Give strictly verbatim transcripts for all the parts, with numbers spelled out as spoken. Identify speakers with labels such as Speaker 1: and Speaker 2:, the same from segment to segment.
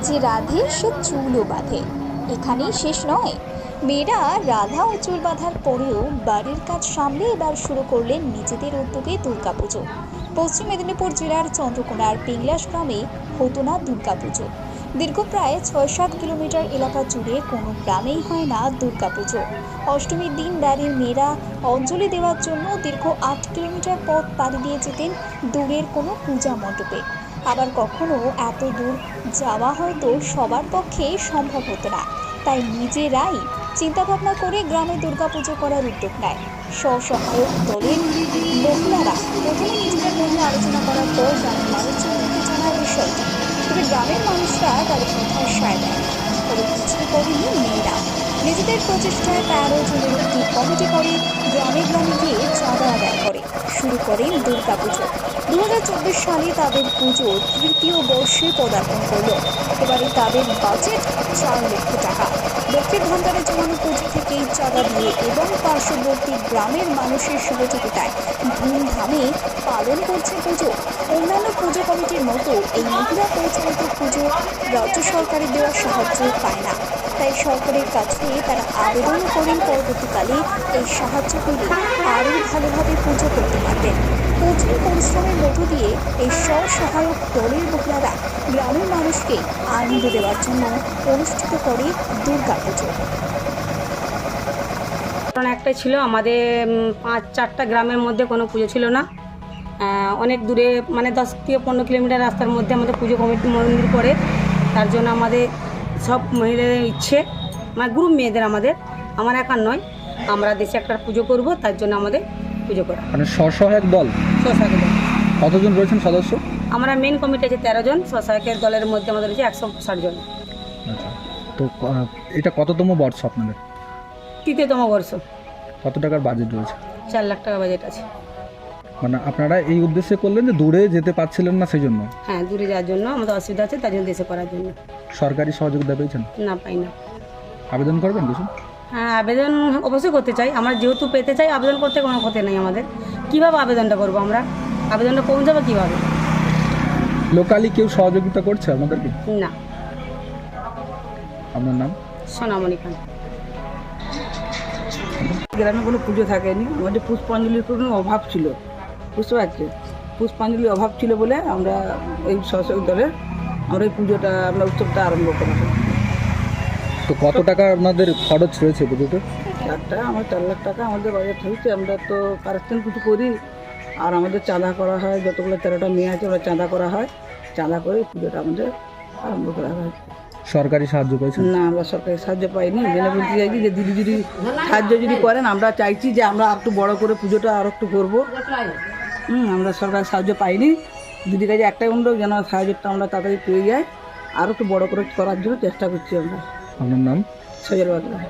Speaker 1: যে রাধে সে চুলও বাঁধে। এখানেই শেষ নয়, মেয়েরা রাধা ও চুল বাঁধার পরেও বাড়ির কাজ সামলে এবার শুরু করলেন নিজেদের উদ্যোগে দুর্গাপুজো। পশ্চিম মেদিনীপুর জেলার চন্দ্রকোনার পিংলাস গ্রামে হতো না দুর্গাপুজো। দীর্ঘ প্রায় ছয় সাত কিলোমিটার এলাকা জুড়ে কোনো গ্রামেই হয় না দুর্গাপুজো। অষ্টমীর দিন বাড়ির মেয়েরা অঞ্জলি দেওয়ার জন্য দীর্ঘ আট কিলোমিটার পথ পাড়ি দিয়ে যেতেন দূরের কোনো পূজা মণ্ডপে। আবার কখনো এত দূর যাওয়া হয়তো সবার পক্ষে সম্ভব হতো না, তাই নিজেরাই চিন্তাভাবনা করে গ্রামে দুর্গাপুজো করার উদ্যোগ নেয় স্বসহায়ক দলের মহিলারা। প্রথমে নিজেদের মধ্যে আলোচনা করার পর গ্রামের মানুষজনকে জানায় বিষয়টি, তবে গ্রামের মানুষরা তাদের কথায় সায় দেয়। তবে কিছুই করেনি মেয়েরা। নিজেদের প্রচেষ্টায় তেরো জনের একটি কমিটি করে গ্রামে গ্রামে গিয়ে চাঁদা আদায় করে শুরু করেন দুর্গাপুজো। দু হাজার চব্বিশ সালে তাদের পুজোর তৃতীয় বর্ষে পদার্পণ করল। এবারে তাদের বাজেট চার লক্ষ টাকা। লক্ষ্মীর ভান্ডারে জমানো পুজো থেকেই চাঁদা দিয়ে এবং পার্শ্ববর্তী গ্রামের মানুষের সহযোগিতায় ধুমধামে পালন করছে পুজো। অন্যান্য পুজো কমিটির মতো এই মহিলা পরিচালিত পুজো রাজ্য সরকারের দেওয়া সাহায্য পায় না, তাই সরকারের কাছে তারা আবেদন করেন পরবর্তীকালে এই সাহায্য পেলে আরও ভালোভাবে পুজো করতে পারবেন। কঠিন পরিশ্রমের মধ্য দিয়ে এই স্বসহায়ক দলের মহিলারা গ্রামের মানুষকে আনন্দ দেওয়ার জন্য অনুষ্ঠিত করে দুর্গাপুজো।
Speaker 2: কারণ একটাই ছিল, আমাদের পাঁচ চারটা গ্রামের মধ্যে কোনো পুজো ছিল না। অনেক দূরে, মানে দশ থেকে পনেরো কিলোমিটার রাস্তার মধ্যে আমাদের পুজো কমিটি মন্দির করে। তার জন্য আমাদের সব মহিলাদের ইচ্ছে, মানে গ্রুপ মেয়েদের, আমাদের আমার একার নয়, আমরা দেশে একটা পুজো করব, তার জন্য আমাদের পুজো করা।
Speaker 3: মানে স্বসহায়ক দল
Speaker 2: স্বসহায়ক দল
Speaker 3: কতজন রয়েছেন সদস্য?
Speaker 2: আমরা মেন কমিটি আছে তেরো জন, স্বসহায়কের দলের মধ্যে আমাদের রয়েছে একশো ষাট জন।
Speaker 3: আচ্ছা, তো এটা কততম বর্ষ আপনাদের?
Speaker 2: তৃতীয়তম বর্ষ।
Speaker 3: কত টাকার বাজেট রয়েছে?
Speaker 2: চার লাখ টাকা বাজেট আছে।
Speaker 3: মানে আপনারা এই উদ্দেশ্যে করলেন যে দূরে যেতে পারছিলেন না সেই জন্য?
Speaker 2: হ্যাঁ, দূরে যাওয়ার জন্য আমাদের অসুবিধা আছে, তার জন্য দেশে করার জন্য।
Speaker 3: সরকারি সহযোগিতা পেয়েছেন?
Speaker 2: না, পাই না।
Speaker 3: আবেদন করবেন কিছু?
Speaker 2: হ্যাঁ, আবেদন অবশ্যই করতে চাই। আমরা যেহেতু পেতে চাই, আবেদন করতে কোনো ক্ষতি নেই আমাদের। কীভাবে আবেদনটা করবো আমরা? আবেদনটা পৌঁছাবো কীভাবে?
Speaker 3: লোকালি কেউ সহযোগিতা করছে আপনাদেরকে?
Speaker 2: না।
Speaker 3: আপনার নাম?
Speaker 2: সোনামণি খান।
Speaker 4: গ্রামে কোনো পুজো থাকেনি, আমাদের পুষ্পাঞ্জলির কোনো অভাব ছিল, বুঝতে পারছি। পুষ্পাঞ্জলির অভাব ছিল বলে আমরা এই স্বসহায়ক দলের আমরা এই পুজোটা, আমরা উৎসবটা আরম্ভ করি।
Speaker 3: তো কত টাকা আপনাদের খরচ রয়েছে পুজোতে?
Speaker 4: চার টাকা আমার চার লাখ টাকা আমাদের বাজেট হয়েছে। আমরা তো কারেকশন কিছু করি, আর আমাদের চাঁদা করা হয়, যতগুলো তেরোটা মেয়ে আছে ওরা চাঁদা করা হয়, চাঁদা করে পুজোটা আমাদের আরম্ভ করা হয়।
Speaker 3: সরকারি সাহায্য পেয়েছেন?
Speaker 4: না, আমরা সরকারি সাহায্য পাইনি। জেনে বলতে চাইছি যে দিদি যদি সাহায্য যদি করেন, আমরা চাইছি যে আমরা একটু বড় করে পুজোটা আর একটু করবো। হুম, আমরা সরকারি সাহায্য পাইনি। দিদির কাছে একটাই অনুরোধ, যেন সাহায্যটা আমরা তাড়াতাড়ি পেয়ে যাই, আর একটু বড় করে করার জন্য চেষ্টা করছি আমরা।
Speaker 3: আপনার নাম?
Speaker 4: সজল বাগলা।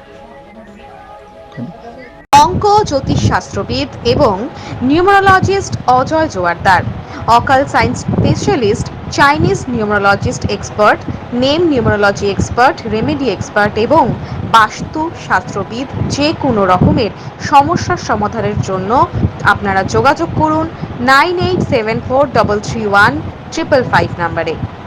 Speaker 5: অঙ্ক জ্যোতিষশাস্ত্রবিদ এবং numerologist Ajay Joardar, occult science specialist, Chinese numerologist expert, name numerology expert, remedy expert এবং বাস্তু শাস্ত্রবিদ। যে কোনো রকমের সমস্যার সমাধানের জন্য আপনারা যোগাযোগ করুন nine eight seven four double three one triple five নাম্বারে।